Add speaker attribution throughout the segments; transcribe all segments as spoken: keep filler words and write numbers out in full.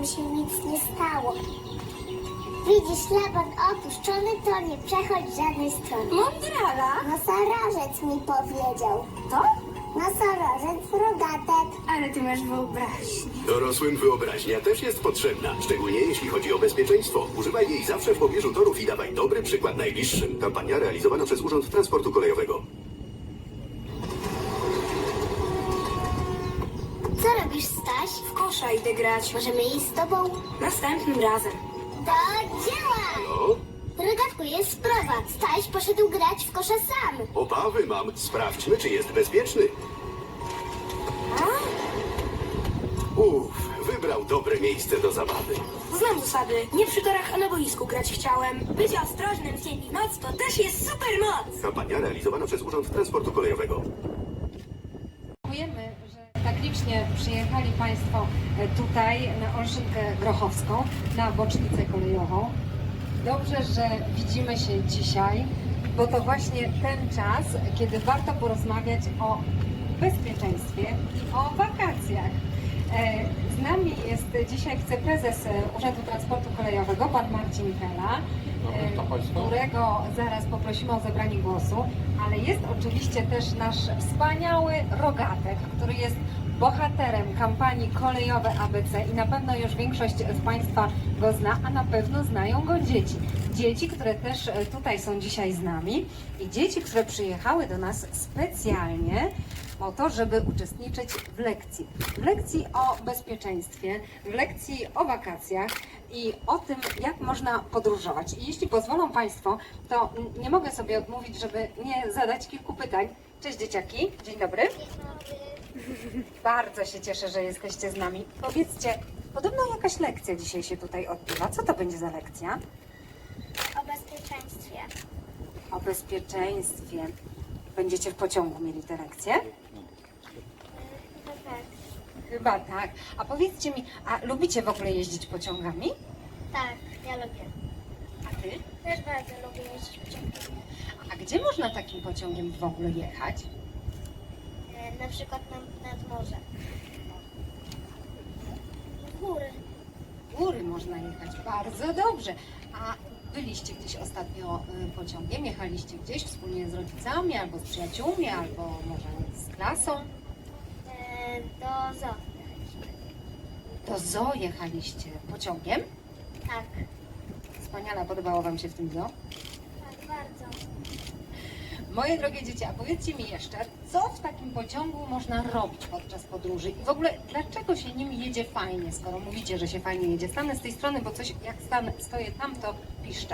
Speaker 1: się nic nie stało. Widzisz, Laban opuszczony, to nie przechodź żadnej strony.
Speaker 2: Mądrala?
Speaker 1: Nosorożec mi powiedział.
Speaker 2: To?
Speaker 1: Nosorożec rogatek.
Speaker 2: Ale ty masz wyobraźnię.
Speaker 3: Dorosłym wyobraźnia też jest potrzebna, szczególnie jeśli chodzi o bezpieczeństwo. Używaj jej zawsze w pobliżu torów i dawaj dobry przykład najbliższym. Kampania realizowana przez Urząd Transportu Kolejowego.
Speaker 1: Co robisz, Staś?
Speaker 2: W kosza idę grać.
Speaker 1: Możemy iść z tobą?
Speaker 2: Następnym razem.
Speaker 1: Do dzieła!
Speaker 3: No,
Speaker 1: Rogatku, jest sprawa. Staś poszedł grać w kosza sam.
Speaker 3: obawy mam. Sprawdźmy, czy jest bezpieczny. Uff, wybrał dobre miejsce do zabawy.
Speaker 2: Znam zasady. Nie przy torach, a na boisku grać chciałem. Być ostrożnym w dzień i w noc to też jest super moc.
Speaker 3: Kampania realizowana przez Urząd Transportu Kolejowego.
Speaker 4: Dziękujemy, że tak licznie przyjechali Państwo tutaj na Olszynkę Grochowską, na bocznicę kolejową. Dobrze, że widzimy się dzisiaj, bo to właśnie ten czas, kiedy warto porozmawiać o bezpieczeństwie i o wakacjach. E, Z nami jest dzisiaj wiceprezes Urzędu Transportu Kolejowego, pan Marcin Pela, e, którego zaraz poprosimy o zabranie głosu, ale jest oczywiście też nasz wspaniały Rogatek, który jest bohaterem kampanii Kolejowe A B C i na pewno już większość z Państwa go zna, a na pewno znają go dzieci. Dzieci, które też tutaj są dzisiaj z nami i dzieci, które przyjechały do nas specjalnie po to, żeby uczestniczyć w lekcji. W lekcji o bezpieczeństwie, w lekcji o wakacjach i o tym, jak można podróżować. I jeśli pozwolą Państwo, to nie mogę sobie odmówić, żeby nie zadać kilku pytań. Cześć dzieciaki, dzień dobry. Bardzo się cieszę, że jesteście z nami. Powiedzcie, podobno jakaś lekcja dzisiaj się tutaj odbywa. Co to będzie za lekcja?
Speaker 1: O bezpieczeństwie.
Speaker 4: O bezpieczeństwie. Będziecie w pociągu mieli te lekcje?
Speaker 1: Chyba tak.
Speaker 4: Chyba tak. A powiedzcie mi, a lubicie w ogóle jeździć pociągami?
Speaker 1: Tak, ja lubię.
Speaker 4: A ty?
Speaker 1: Też bardzo lubię jeździć pociągiem.
Speaker 4: A gdzie można takim pociągiem w ogóle jechać?
Speaker 1: E, na przykład na, nad morze. W góry.
Speaker 4: W góry można jechać. Bardzo dobrze. A byliście gdzieś ostatnio y, pociągiem? Jechaliście gdzieś wspólnie z rodzicami, albo z przyjaciółmi, albo może z klasą?
Speaker 1: E, do zoo.
Speaker 4: Do zoo jechaliście pociągiem?
Speaker 1: Tak.
Speaker 4: Wspaniale, podobało Wam się w tym zoo?
Speaker 1: Tak, bardzo.
Speaker 4: Moje drogie dzieci, a powiedzcie mi jeszcze, co w takim pociągu można robić podczas podróży? I w ogóle, dlaczego się nim jedzie fajnie, skoro mówicie, że się fajnie jedzie? Stanę z tej strony, bo coś, jak stanę, stoję tam, to piszczę.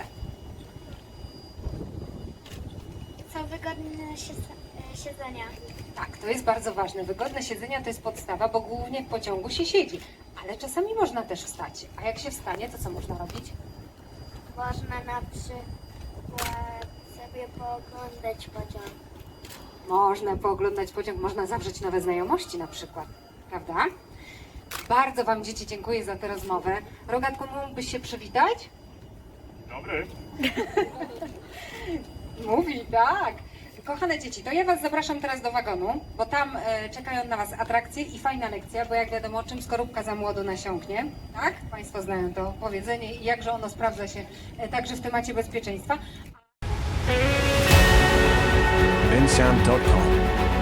Speaker 1: Są wygodne siedzenia.
Speaker 4: Tak, to jest bardzo ważne. Wygodne siedzenia to jest podstawa, bo głównie w pociągu się siedzi. Ale czasami można też wstać. A jak się wstanie, to co można robić?
Speaker 1: Można na przykład sobie pooglądać pociąg.
Speaker 4: Można pooglądać pociąg, można zawrzeć nowe znajomości na przykład, prawda? Bardzo Wam, dzieci, dziękuję za tę rozmowę. Rogatku, mógłbyś się przywitać?
Speaker 5: Dobry.
Speaker 4: Mówi, tak. Kochane dzieci, to ja Was zapraszam teraz do wagonu, bo tam e, czekają na Was atrakcje i fajna lekcja, bo jak wiadomo, czym skorupka za młodo nasiąknie, tak? Państwo znają to powiedzenie i jakże ono sprawdza się e, także w temacie bezpieczeństwa.
Speaker 6: bensound dot com